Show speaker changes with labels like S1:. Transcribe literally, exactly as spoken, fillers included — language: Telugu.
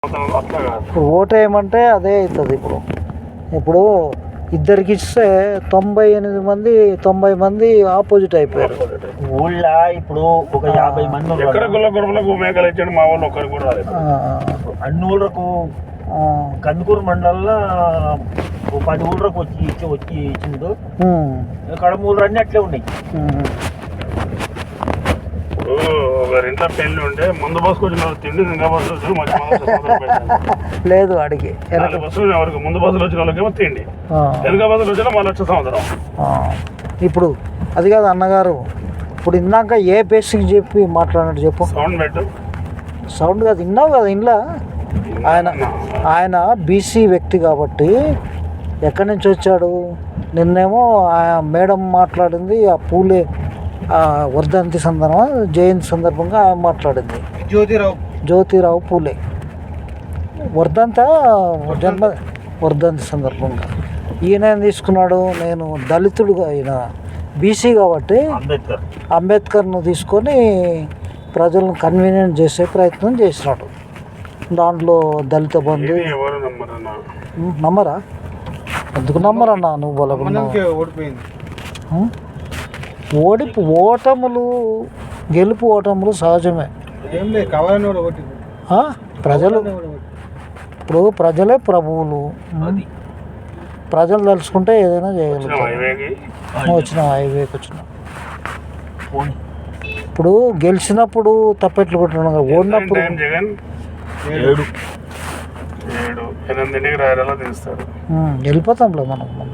S1: ఇప్పుడు ఓటు వేయమంటే అదే అవుతుంది. ఇప్పుడు ఇప్పుడు ఇద్దరికి ఇస్తే తొంభై ఎనిమిది మంది తొంభై మంది ఆపోజిట్ అయిపోయారు.
S2: ఊళ్ళో ఇప్పుడు ఒక యాభై మంది ఎక్కడ గుల్ల గురువులకు మేకలు ఇచ్చాడు మా వాళ్ళు ఒక్కరు కూడా రాలేదు. అన్ని ఊళ్ళకు కందుకూరు మండలంలో పది ఊళ్ళకు వచ్చి ఇచ్చి వచ్చి ఇచ్చిండు. కడమూళ్ళు అన్నీ అట్లే ఉన్నాయి. ఇంట్లో పెళ్లి ఉంటే ముందు బస్సుకు వచ్చిన తిండి ఇంకా బస్సు వచ్చి
S1: లేదు అడిగి
S2: బస్సు ఎవరికి ముందు బస్సులు వచ్చిన వాళ్ళకేమో తిండి, వెనక బస్సులు వచ్చిన మళ్ళీ వచ్చే సంవత్సరం.
S1: ఇప్పుడు అది కాదు అన్నగారు, ఇప్పుడు ఇందాక ఏ బేసిక్ చెప్పి మాట్లాడినట్టు చెప్పు.
S2: సౌండ్ పెట్టు.
S1: సౌండ్ కాదు, విన్నావు కదా ఇంట్లో. ఆయన ఆయన బీసీ వ్యక్తి కాబట్టి ఎక్కడి నుంచి వచ్చాడు? నిన్నేమో ఆ మేడం మాట్లాడింది ఆ పూలే వర్ధంతి సందర్భంగా జయంతి సందర్భంగా ఆయన మాట్లాడింది.
S3: జ్యోతిరావు
S1: జ్యోతిరావు పూలే వర్ధంత జన్మ వర్ధంతి సందర్భంగా ఈయన ఏం తీసుకున్నాడు? నేను దళితుడుగా, ఈయన బీసీ కాబట్టి అంబేద్కర్ను తీసుకొని ప్రజలను కన్వీనియంట్ చేసే ప్రయత్నం చేసినాడు. దాంట్లో దళిత బంధు నమ్మరా? ఎందుకు నమ్మరన్నా? నువ్వు బలగొన్నావు. ఓడిపు ఓటములు గెలుపు ఓటములు సహజమే. ప్రజలు ఇప్పుడు ప్రజలే ప్రభువులు. ప్రజలు తలుచుకుంటే ఏదైనా చేయగలుగుతారు. వచ్చిన హైవేకి వచ్చిన ఇప్పుడు గెలిచినప్పుడు తప్పెట్లు కొట్టిన, ఓడినప్పుడు వెళ్ళిపోతాంలే మనం.